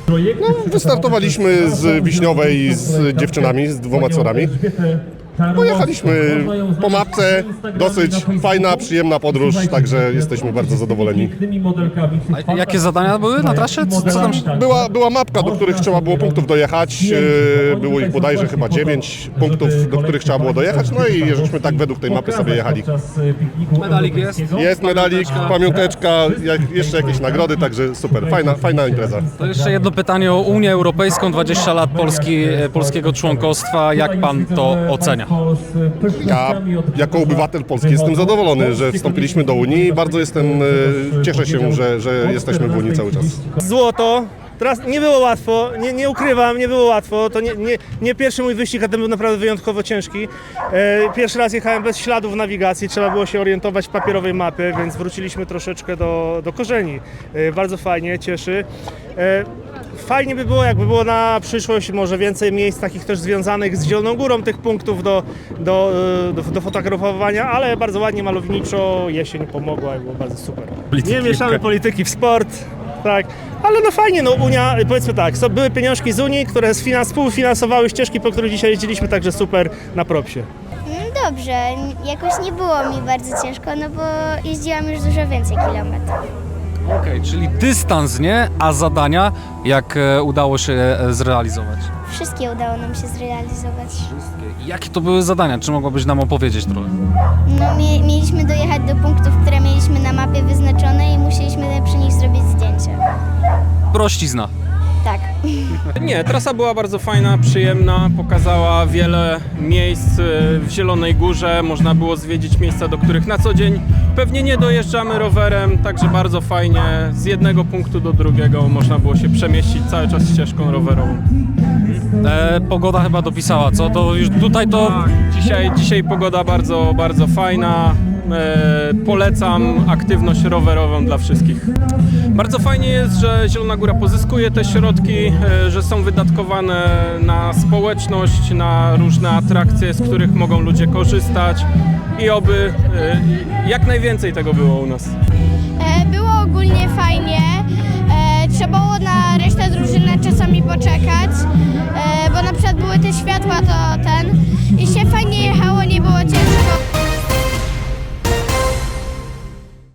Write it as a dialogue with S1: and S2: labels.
S1: No, wystartowaliśmy z Wiśniowej z dziewczynami, z 2 córami. Pojechaliśmy po mapce, dosyć fajna, przyjemna podróż, także jesteśmy bardzo zadowoleni.
S2: A jakie zadania były na trasie? Co tam się...
S1: Była mapka, do których trzeba było punktów dojechać, było ich bodajże chyba 9 punktów, do których trzeba było dojechać, no i żeśmy tak według tej mapy sobie jechali.
S2: Medalik jest?
S1: Jest medalik, pamiąteczka, jeszcze jakieś nagrody, także super, fajna impreza.
S2: To jeszcze jedno pytanie o Unię Europejską, 20 lat polskiego członkostwa. Jak pan to ocenia?
S1: Ja jako obywatel Polski jestem zadowolony, że wstąpiliśmy do Unii i bardzo cieszę się, że jesteśmy w Unii cały czas.
S3: Złoto. Teraz nie było łatwo, nie ukrywam, nie było łatwo. To nie pierwszy mój wyścig, a ten był naprawdę wyjątkowo ciężki. Pierwszy raz jechałem bez śladów nawigacji, trzeba było się orientować w papierowej mapie, więc wróciliśmy troszeczkę do korzeni. Bardzo fajnie, cieszy. Fajnie by było, jakby było na przyszłość może więcej miejsc takich też związanych z Zieloną Górą, tych punktów do fotografowania, ale bardzo ładnie, malowniczo, jesień pomogła i było bardzo super. Nie mieszamy polityki w sport, tak, ale no fajnie, no Unia, powiedzmy tak, były pieniążki z Unii, które współfinansowały ścieżki, po których dzisiaj jeździliśmy, także super, na propsie.
S4: Dobrze, jakoś nie było mi bardzo ciężko, no bo jeździłam już dużo więcej kilometrów.
S2: Okej, czyli dystans nie, a zadania jak udało się zrealizować?
S4: Wszystkie udało nam się zrealizować.
S2: Jakie to były zadania? Czy mogłabyś nam opowiedzieć trochę?
S4: No, mieliśmy dojechać do punktów, które mieliśmy na mapie wyznaczone i musieliśmy przy nich zrobić zdjęcie.
S2: Prościzna.
S4: Tak.
S5: Nie, trasa była bardzo fajna, przyjemna, pokazała wiele miejsc w Zielonej Górze, można było zwiedzić miejsca, do których na co dzień pewnie nie dojeżdżamy rowerem, także bardzo fajnie, z jednego punktu do drugiego można było się przemieścić cały czas ścieżką rowerową.
S2: Pogoda chyba dopisała, co? To już tutaj to...
S5: Dzisiaj pogoda bardzo, bardzo fajna. Polecam aktywność rowerową dla wszystkich. Bardzo fajnie jest, że Zielona Góra pozyskuje te środki, że są wydatkowane na społeczność, na różne atrakcje, z których mogą ludzie korzystać i oby jak najwięcej tego było u nas.
S6: Było ogólnie fajnie. Trzeba było na resztę drużyny czasami poczekać, bo na przykład były te światła, to i się fajnie jechało, nie było ciężko.